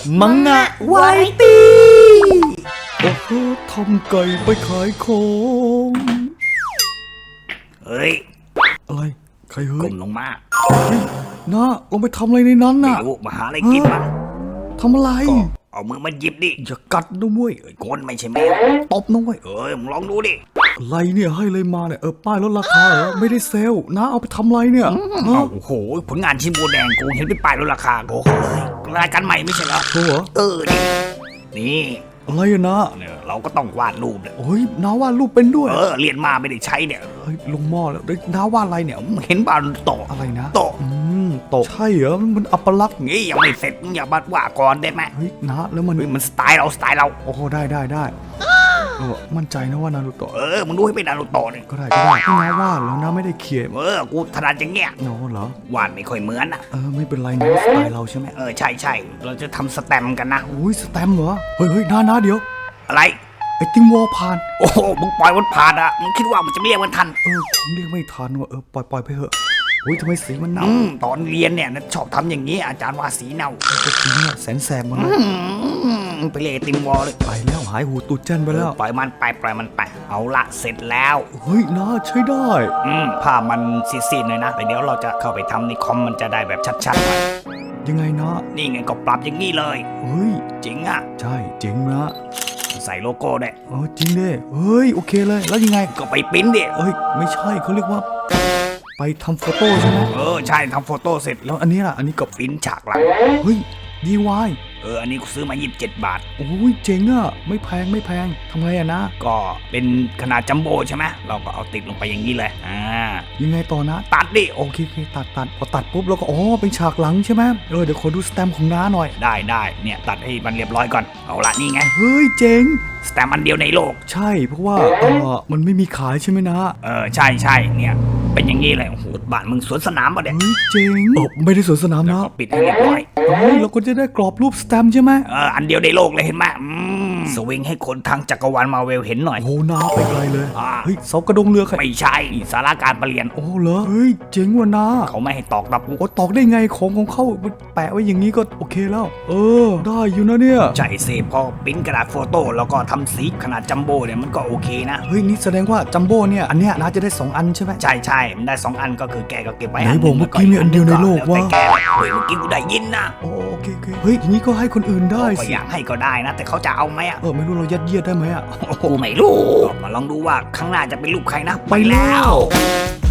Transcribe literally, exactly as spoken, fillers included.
มังงะวาไรตี้โอ้โหทำไก่ไปขายของเฮ้ยอะไรใครเฮ้ยก้มลงมาน้าลงไปทำอะไรในนั้นน่ะไม่รู้มาหาอะไรกินมั้งทำอะไรก็เอามือมาหยิบดิอย่ากัดนะเว้ยคนไม่ใช่แมวตบนะเว้ยเอ้ยมึงลองดูดิอะไรเนี่ยให้เลยมาเนี่ยเออป้ายลดราคาเหรอไม่ได้เซลล์น้าเอาไปทำอะไรเนี่ยโอ้โหผลงานชิ้นโบแดงกูเห็นเป็นป้ายลดราคาโอ้โหเลยรายการใหม่ไม่ใช่เหรอโอ้โหเออนี่นี่อะไรอะนะเนี่ยเราก็ต้องวาดรูปเลยโอ้ยน้าวาดรูปเป็นด้วยเออเรียนมาไม่ได้ใช้เนี่ยเฮ้ยลงหม้อแล้วน้าวาดอะไรเนี่ยเห็นบ้านโตอะไรนะโตอืมโตใช่เหรอมันอัปลักษณ์งี้ยังไม่เสร็จมึงอย่ามาว่าก่อนได้ไหมเฮ้ยนะแล้วมันมันสไตล์เราสไตล์เราโอ้โหได้ได้ได้เออมั่นใจนะว่านารูโตะเออมึงดูให้เป็นนารูโตะนี่ก็ได้ก็ได้ที่น้าวาดแล้วน้าไม่ได้เขียนเออกูถนัดอย่างเงี้ยโน้เหรอวาดไม่ค่อยเหมือนอ่ะเออไม่เป็นไรนะสไตล์เราใช่ไหมเออใช่ใช่เราจะทำสแตมกันนะอุ้ยสแตมเหรอเฮ้ยเฮ้ยน้าน้าเดี๋ยวอะไรไอ้ติงวอลผ่านโอ้โหมึงปล่อยมันผ่านอ่ะมึงคิดว่ามันจะไม่เรียกมันทันเออผมเรียกไม่ทันว่ะเออปล่อยปล่อยไปเถอะโอ้ยทำไมสีมันเน่าตอนเรียนเนี่ยชอบทำอย่างนี้อาจารย์ว่าสีเน่าก็จริงเนี่ยแสนแสบมันเลยไปเรียกติงวอลเลยไปแล้วหายหูตูดเจนไปแล้วปล่อยมันไปปล่อยมันไปเอาละเสร็จแล้วเฮ้ยน่าใช้ได้อืมภาพมันซีดๆเลยนะแต่เดี๋ยวเราจะเข้าไปทำในคอมมันจะได้แบบชัดๆหน่อยยังไงนะนี่ไงก็ปรับอย่างนี้เลยเฮ้ยจริงอ่ะใช่จริงนะใส่โลโก้ได้เออจริงดิเฮ้ยโอเคเลยแล้วยังไงก็ไปปริ้นดิเอ้ยไม่ใช่เขาเรียกว่าไปทำโฟโต้ใช่ไหมเออใช่ทำโฟโต้เสร็จแล้วอันนี้ล่ะอันนี้ก็ปริ้นฉากหลังเฮ้ยดีวายเอออันนี้กูซื้อมายี่สิบเจ็ดบาทโอ้ยเจ๋งอ่ะไม่แพงไม่แพงทำไงอะนะก็เป็นขนาดจัมโบ้ใช่ไหมเราก็เอาติดลงไปอย่างนี้เลยอ่ายังไงต่อนะตัดดิโอเคโอเคตัดตัดพอตัดปุ๊บเราก็อ๋อเป็นฉากหลังใช่ไหมเออเดี๋ยวขอดูสแตมป์ของน้าหน่อยได้ได้เนี่ยตัดให้มันเรียบร้อยก่อนเอาละนี่ไงเฮ้ยเจ๋งสแตมป์อันเดียวในโลกใช่เพราะว่าเออมันไม่มีขายใช่ไหมนะเออใช่ใช่เนี่ยเป็นอย่างนี้เลยโอ้โหบ้านมึงสวนสนามป่ะเนี่ยเฮ้ยเจ๋งไม่ได้สวนสนามนะปิดให้เรียบร้อยเฮ้ยเราก็จะได้กรอบรูปสแตมป์ใช่ไหมเอออันเดียวในโลกเลยเห็นไหมสวิงให้คนทางจักรวาลมาเวลเห็นหน่อยโอ้น้าไปไกลเลยเฮ้ยเสากระดงเรือไม่ใช่สาราการประเรียนโอ้เหรอเฮ้ยเจ๋งว่ะน้าเขาไม่ให้ตอกตะปูโอ้ตอกได้ไงของของเขาแปะไว้อย่างนี้ก็โอเคแล้วเออได้อยู่นะเนี่ยใช่เซฟพอปริ้นกระดาษโฟโต้แล้วก็ทำสีขนาดจัมโบ้เนี่ยมันก็โอเคนะเฮ้ยนี่แสดงว่าจัมโบ้เนี่ยอันเนี้ยน้าจะได้สองอันใช่ไหมใช่ใช่มันได้สองอันก็คือแกก็เก็บไว้ไหนบอกเมื่อกี้มีอันเดียวในโลกว่าแกเฮ้ยเมื่อกี้กูได้ยินนะโอเคโอเคเฮ้ยทีนี้ก็ให้คนอื่นได้สิอยากให้ก็ได้นะแต่เขาจะเอาไหมอ่ะเออไม่รู้เรายัดเยียดได้ไหมอ่ะกูไม่รู้มาลองดูว่าข้างหน้าจะเป็นรูปใครนะไปแล้ว